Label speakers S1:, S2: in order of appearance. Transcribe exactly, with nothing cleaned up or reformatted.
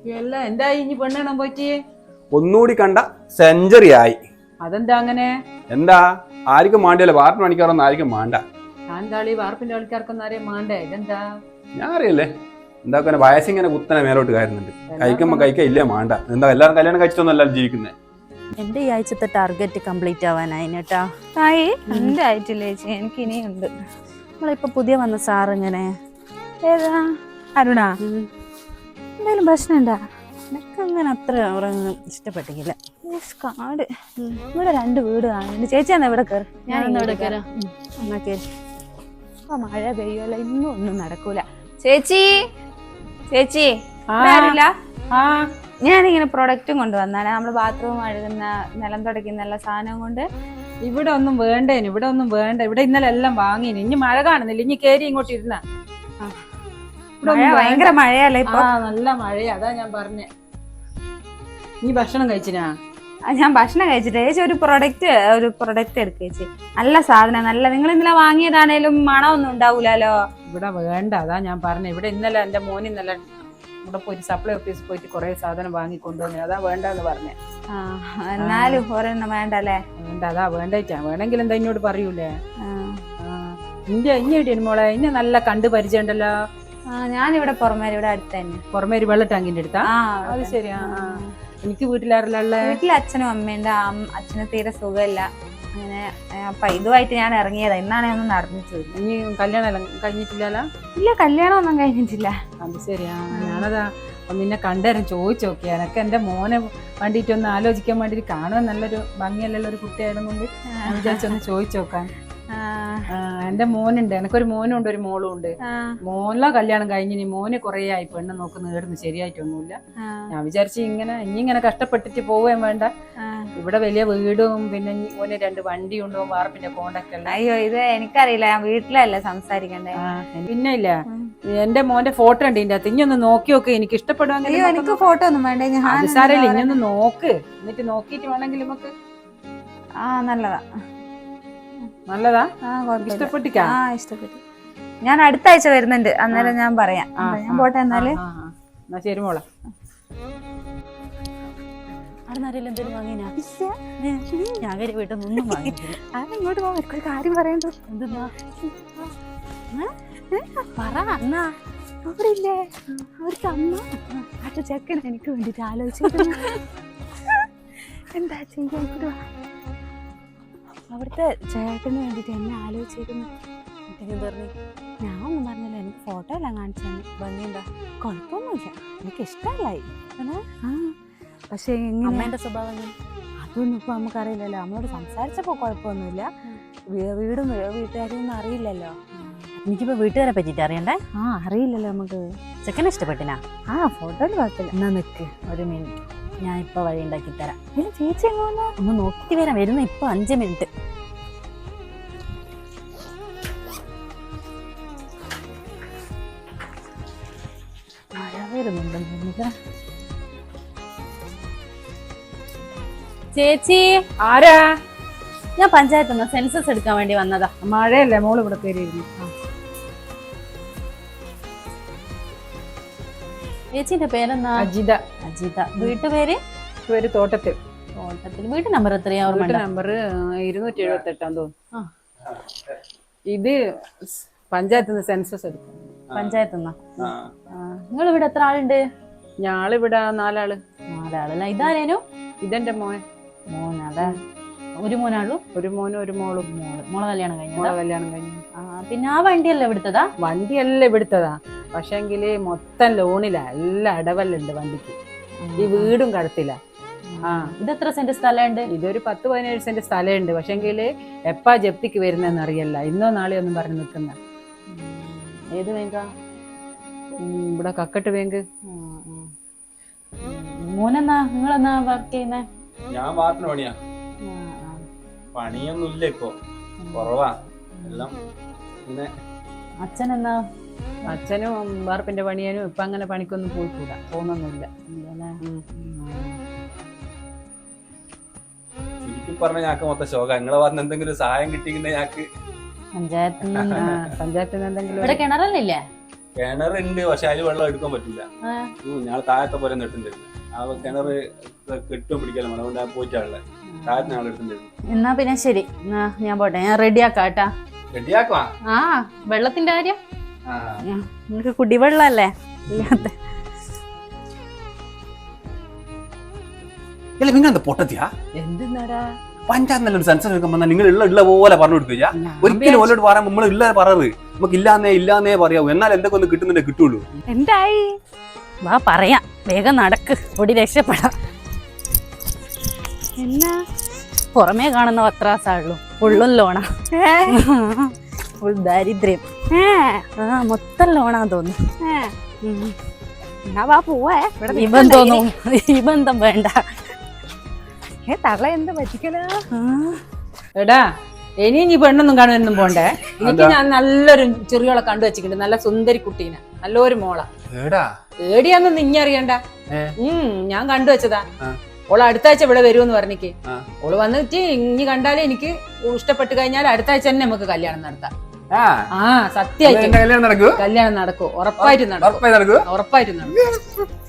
S1: അല്ല എന്തായി ഇനി പെണ്ണെണ്ണം പോയിട്ട്
S2: ഒന്നുകൂടി കണ്ട സെഞ്ചുറി ആയി.
S1: അതെന്താ അങ്ങനെ?
S2: എന്താ ആർക്കും മാണ്ടിയല്ലോ, വാർപ്പ് പണിക്കാറൊന്നും ആർക്കും മാണ്ട.
S1: ഞാൻ എന്താളി വാർപ്പിന്റെ ആൾക്കാർക്കൊന്നും അറിയാൻ മാണ്ടേ? ഇതെന്താ
S2: ഞാൻ അറിയല്ലേ, എന്താ വയസ്സിങ്ങനെ കുത്തനെ മേലോട്ട് കയറുന്നുണ്ട്. കഴിക്കുമ്പോ കഴിക്കാൻ ഇല്ലേ മാണ്ട. എന്താ എല്ലാവരും കല്യാണം കഴിച്ചിട്ടൊന്നും എല്ലാവരും ജീവിക്കുന്നത്.
S3: എന്റെ ഈ ആഴ്ചത്തെ ടാർഗറ്റ് കംപ്ലീറ്റ് ആവാനായി കേട്ടാ.
S4: ആയി എന്റെ ആയിട്ടില്ല ചേച്ചി, എനിക്ക് ഇനിയുണ്ട്.
S3: നമ്മളിപ്പോ പുതിയ വന്ന സാർ ഇങ്ങനെ
S4: ഏതാ? അരുണ എന്തെങ്കിലും പ്രശ്നമുണ്ടാ?
S3: എനിക്ക് അങ്ങനെ അത്ര അവരൊന്നും ഇഷ്ടപ്പെട്ടില്ല.
S4: കാട് ഇവിടെ രണ്ട് വീട് കാണുന്നുണ്ട്. ചേച്ചി എന്നാ ഇവിടെ കയറി,
S3: ഞാനൊന്നും ഇവിടെ കയറാം.
S4: എന്നാ കയറി. അപ്പൊ മഴ പെയ്യുമല്ലോ, ഇന്നും ഒന്നും നടക്കൂല. ചേച്ചി ചേച്ചി ആരില്ല? ഞാനിങ്ങനെ പ്രൊഡക്റ്റും കൊണ്ടുവന്നാണ്. നമ്മള് ബാത്റൂം കഴുകുന്ന, നിലം തുടയ്ക്കുന്ന എല്ലാ സാധനവും കൊണ്ട്.
S1: ഇവിടെ ഒന്നും വേണ്ടേന്, ഇവിടെ ഒന്നും വേണ്ട. ഇവിടെ ഇന്നലെ എല്ലാം വാങ്ങിന്. ഇനി മഴ കാണുന്നില്ല, ഇനി കേറി ഇങ്ങോട്ട് ഇരുന്ന.
S4: ഭയങ്കര മഴയല്ലേ ഇപ്പൊ?
S1: ആ നല്ല മഴയാ, അതാ ഞാൻ പറഞ്ഞേ. നീ ഭക്ഷണം കഴിച്ചിനാ?
S4: ഞാൻ ഭക്ഷണം കഴിച്ചിട്ട് ചേച്ചി ഒരു പ്രൊഡക്റ്റ് ഒരു പ്രൊഡക്റ്റ് എടുക്കുക ചേച്ചി. നല്ല സാധനം, നല്ല. നിങ്ങൾ ഇന്നലെ വാങ്ങിയതാണേലും മണമൊന്നും ഉണ്ടാവൂലോ.
S1: ഇവിടെ വേണ്ട, അതാ ഞാൻ പറഞ്ഞേ. ഇവിടെ ഇന്നലെ എന്റെ മോന് ഇന്നലെ ഇവിടെ പോയിട്ട് സപ്ലൈ ഓഫീസിൽ പോയിട്ട് കുറെ സാധനം വാങ്ങിക്കൊണ്ടുവന്നു. അതാ വേണ്ടെന്ന് പറഞ്ഞേ.
S4: ആ എന്നാലും ഒരെണ്ണം വേണ്ടല്ലേ?
S1: വേണ്ട, അതാ വേണ്ടായിട്ടാ. വേണമെങ്കിൽ എന്താ ഇന്നോട് പറയൂലേ? ഇന്റെ ഇനി മോളെ ഇന്നെ നല്ല കണ്ട് പരിചയം ഉണ്ടല്ലോ.
S4: ആ ഞാനിവിടെ പുറമേരി, ഇവിടെ അടുത്ത് തന്നെ.
S1: പുറമേരി വെള്ള ടാങ്കിന്റെ അടുത്താ? അത് ശരിയാ. എനിക്ക് വീട്ടിലാരല്ല?
S4: വീട്ടിൽ അച്ഛനും അമ്മയുണ്ട്. അച്ഛന് തീരെ സുഖമില്ല അങ്ങനെ. അപ്പൊ ഇതുമായിട്ട് ഞാൻ ഇറങ്ങിയതാ. ഇന്നാണ് ഞാൻ ഒന്ന് നടന്നിട്ട്.
S1: ഇനി കല്യാണം കഴിഞ്ഞിട്ടില്ലല്ലോ?
S4: ഇല്ല, കല്യാണം ഒന്നും കഴിഞ്ഞിട്ടില്ല.
S1: അത് ശരിയാ. ഞാനതാ നിന്നെ കണ്ടേരം ചോദിച്ചു നോക്കിയാ. എനക്ക് എന്റെ മോനെ വേണ്ടിയിട്ട് ഒന്ന് ആലോചിക്കാൻ വേണ്ടിട്ട്, കാണുവാൻ നല്ലൊരു ഭംഗിയല്ലുള്ള ഒരു കുട്ടിയായതും കൊണ്ട് വിചാരിച്ചൊന്ന് ചോദിച്ചു നോക്കാൻ. എന്റെ മോനുണ്ട്, എനക്കൊരു മോനും ഉണ്ട്, ഒരു മോളും ഉണ്ട്. മോനെ കല്യാണം കഴിഞ്ഞിനി. മോന് കുറേ ആയി പെണ്ണ് നോക്കുന്ന നേടുന്നു, ശരിയായിട്ടൊന്നുമില്ല. ഞാൻ വിചാരിച്ചു ഇങ്ങനെ ഇനി ഇങ്ങനെ കഷ്ടപ്പെട്ടിട്ട് പോവുകയും വേണ്ട. ഇവിടെ വലിയ വീടും പിന്നെ ഓന് രണ്ട് വണ്ടി ഉണ്ടോ, വാർപ്പിന്റെ കോണ്ടാക്ട് അല്ല.
S4: അയ്യോ ഇത് എനിക്കറിയില്ല, ഞാൻ വീട്ടിലല്ലേ സംസാരിക്കണ്ടേ.
S1: പിന്നെ ഇല്ല, എന്റെ മോന്റെ ഫോട്ടോ ഉണ്ട് ഇതിന്റെ അകത്ത്. ഇനി ഒന്ന് നോക്കി നോക്ക്, എനിക്ക് ഇഷ്ടപ്പെടുവാങ്കിൽ.
S4: എനിക്ക് ഫോട്ടോ ഒന്നും വേണ്ട,
S1: സാരമില്ല, ഇനി ഒന്ന് നോക്ക്. എന്നിട്ട് നോക്കിട്ട് വേണമെങ്കിൽ നമുക്ക്.
S4: ആ നല്ലതാ
S1: നല്ലതാ. ഇഷ്ടപ്പെട്ടിക്കാ?
S4: ആ ഇഷ്ടപ്പെട്ടു. ഞാൻ അടുത്ത ആഴ്ച വരുന്നുണ്ട്, അന്നേരം ഞാൻ പറയാം. ഞാൻ പോട്ടെ എന്നാല്.
S1: എന്നാ ശരി മോളെ.
S3: എന്തെങ്കിലും വാങ്ങിനാ? ഞാൻ വീട്ടിൽ നിന്നും വാങ്ങിയിട്ടില്ല.
S4: ഇങ്ങോട്ട് പോകാൻ ഒരു കാര്യം പറയണ്ടോ?
S3: എന്തെന്നാ
S4: പറ. എന്നാ അവിടെ ഇല്ലേ അവിടുത്തെ അമ്മ അച്ഛ ചെക്കൻ എനിക്ക് വേണ്ടിട്ട് ആലോചിച്ചിരുന്നു. എന്താ ചെയ്യാ? അവിടുത്തെ ചേട്ടന് വേണ്ടിട്ട് എന്നെ ആലോചിച്ചിരുന്നു.
S3: പറഞ്ഞു
S4: ഞാൻ ഒന്നും പറഞ്ഞില്ല, എനിക്ക് ഫോട്ടോ എല്ലാം കാണിച്ചു തന്നെ.
S3: ഭംഗിയുണ്ടാ?
S4: കുഴപ്പമൊന്നുമില്ല, എനിക്ക് ഇഷ്ടമല്ലായി. ആ പക്ഷെ
S3: അമ്മേന്റെ സ്വഭാവം
S4: അതൊന്നും ഇപ്പൊ നമുക്കറിയില്ലല്ലോ. നമ്മളോട് സംസാരിച്ചപ്പോ കുഴപ്പമൊന്നുമില്ല. വീടും വീട്ടുകാരും അറിയില്ലല്ലോ.
S3: എനിക്കിപ്പോ വീട്ടുകാരെ പറ്റിട്ട് അറിയണ്ടേ?
S4: ആ അറിയില്ലല്ലോ നമുക്ക്.
S3: ചെക്കനെ ഇഷ്ടപ്പെട്ടിനാ?
S4: ആ ഫോട്ടോയിൽ കുഴപ്പമില്ല.
S3: എന്നാ നിക്ക് ഒരു മിനിറ്റ്, ഞാൻ ഇപ്പൊ വഴി ഉണ്ടാക്കി തരാം.
S4: ഇല്ല ചേച്ചി എങ്ങോന്നാ?
S3: ഒന്ന് നോക്കിട്ട് വരാം. വരുന്ന ഇപ്പൊ അഞ്ച് മിനിറ്റ്.
S4: മഴ വരുന്നുണ്ടെന്നില്ല.
S3: ചേച്ചി
S1: ആരാ?
S3: ഞാൻ പഞ്ചായത്ത് നിന്ന് സെൻസസ് എടുക്കാൻ വേണ്ടി വന്നതാ.
S1: മഴയല്ലേ മോള് ഇവിടെ കയറിയിരുന്നു.
S3: ചേച്ചിന്റെ പേരെന്നാ?
S1: അജിത.
S3: അജിത. വീട്ടുപേര്?
S1: പേര് തോട്ടത്തിൽ.
S3: തോട്ടത്തിൽ. വീട്ടു നമ്പർ എത്രയാ?
S1: വീട്ടു നമ്പർ ഇരുന്നൂറ്റി എഴുപത്തി എട്ടാന്ന് തോന്നുന്നു. ഇത് പഞ്ചായത്ത് നിന്ന് സെൻസസ് എടുക്കും.
S3: പഞ്ചായത്ത് നിന്നാ? നിങ്ങൾ ഇവിടെ എത്ര ആളുണ്ട്?
S1: ഞാളിവിടെ നാലാള്.
S3: നാലാളല്ല. ഇതാരേനു?
S1: ഇതെന്റെ മോൻ.
S3: മോനാ? ഒരു മോനാളൂ?
S1: ഒരു മോനും ഒരു മോളും.
S3: മോള്. മോളെ കല്യാണം കഴിഞ്ഞു?
S1: മോളെ കല്യാണം കഴിഞ്ഞു.
S3: ആ പിന്നെ ആ വണ്ടിയല്ലേ ഇവിടുത്തതാ?
S1: വണ്ടിയല്ലേ ഇവിടുത്തതാ, പക്ഷെങ്കില് മൊത്തം ലോണിലാ. എല്ലാം അടവല്ലുണ്ട് വണ്ടിക്ക്. ഈ വീടും കടത്തില്ല. ആ
S3: ഇതെത്ര സെന്റ് സ്ഥലമുണ്ട്?
S1: ഇതൊരു പത്ത് പതിനേഴ് സെന്റ് സ്ഥലമുണ്ട്. പക്ഷെങ്കില് എപ്പാ ജപ്തിക്ക് വരുന്നതെന്ന് അറിയല്ല. ഇന്നോ നാളെയോ ഒന്നും പറഞ്ഞു നിൽക്കുന്ന.
S3: ഏത് ബാങ്കാ?
S1: ഇവിടെ കക്കട്ട് ബാങ്ക്.
S3: മോനെന്നാ നിങ്ങളെന്നാ വർക്ക് ചെയ്യുന്നേ?
S2: ഞാൻ വാർപ്പിന് പണിയാ. പണിയൊന്നും ഇല്ല ഇപ്പൊ, കുറവാ എല്ലാം. പിന്നെ
S3: അച്ഛനെന്നാ?
S1: അച്ഛനും വാർപ്പിന്റെ പണിയാനും ഇപ്പൊ അങ്ങനെ പണിക്കൊന്നും പോയിക്കൂടാ, പോകുന്നൊന്നുമില്ല.
S2: ശരിക്കും പറഞ്ഞ ഞങ്ങൾക്ക് മൊത്തം ശോക. നിങ്ങളെ പറഞ്ഞ എന്തെങ്കിലും സഹായം കിട്ടിക്കുന്ന ഞങ്ങൾക്ക്
S3: പഞ്ചായത്ത്
S1: പഞ്ചായത്തിൽ നിന്ന് എന്തെങ്കിലും.
S3: ഇവിടെ കിണറല്ലേ?
S2: കിണറുണ്ട്, പക്ഷെ അതിൽ വെള്ളം എടുക്കാൻ പറ്റില്ല. ഞാൻ താഴത്തെ പോലെ നെട്ടുണ്ടായിരുന്നു. ആ കിണർ കെട്ടും പിടിക്കാലും അതുകൊണ്ട് ഞാൻ പോയിട്ടാണല്ലേ താഴത്തെ ഞങ്ങൾ എടുത്തിട്ടുണ്ടായിരുന്നു.
S3: എന്നാ പിന്നെ ശരി, എന്നാ ഞാൻ പോട്ടെ, ഞാൻ റെഡി ആക്കാട്ടാ.
S2: റെഡിയാക്കുവാ?
S3: ആ വെള്ളത്തിന്റെ കാര്യം നിനക്ക് കുടിവെള്ളല്ലേ ഇല്ലാത്ത.
S2: ഇല്ല നിങ്ങൾ എന്താ പൊട്ടത്തിയാ?
S1: എന്തിനാടാ
S2: പഞ്ചായത്ത് നല്ലൊരു സെൻസർ എടുക്കുമ്പോ നിങ്ങൾ ഉള്ള ഉള്ള പോലെ പറഞ്ഞു കൊടുക്കുക. ഒരിക്കലും ഓലോട് പറയാൻ നമ്മൾ ഇല്ല പറയത് നമുക്ക് ഇല്ലാന്നേ ഇല്ലാന്നേ പറയാവൂ. എന്നാൽ എന്തൊക്കെ ഒന്ന് കിട്ടുന്നുണ്ടേ കിട്ടുള്ളൂ.
S3: എന്തായി വാ പറയാം, വേഗം നടക്ക്, ഓടി രക്ഷപ്പെടാം. എന്നാ പുറമേ കാണുന്ന പത്രാസാണല്ലോ, ഫുള്ളും ലോണാ, ഫുൾ ദാരിദ്ര്യം. ആ മൊത്തം ലോണാ തോന്നുന്നു.
S4: വാ പോവേ,
S3: ഈ ബന്ധമൊന്നും ഈ ബന്ധം വേണ്ട.
S4: തള്ള എന്ത് പറ്റിക്കല.
S1: എടാ ഇനി നീ പെണ്ണൊന്നും കാണുമെന്നും പോണ്ടേ. എനിക്ക് ഞാൻ നല്ലൊരു ചെറിയോളെ കണ്ടു വെച്ചിട്ടുണ്ട്, നല്ല സുന്ദരി കുട്ടീനെ, നല്ലൊരു മോള. ഏടിയാന്ന് നിഞ്ഞറിയണ്ട. ഉം ഞാൻ കണ്ടു വെച്ചതാ. ഓള് അടുത്ത ആഴ്ച ഇവിടെ വരുമെന്ന് പറഞ്ഞിക്ക്. ഓള് വന്നിട്ട് ഇനി കണ്ടാലേ എനിക്ക് ഇഷ്ടപ്പെട്ട് കഴിഞ്ഞാൽ അടുത്ത ആഴ്ച തന്നെ നമുക്ക് കല്യാണം നടത്താം. ആ സത്യമായിട്ട് കല്യാണം നടക്കും, ഉറപ്പായിട്ട് നടക്കും, ഉറപ്പായിട്ട് നടക്കും.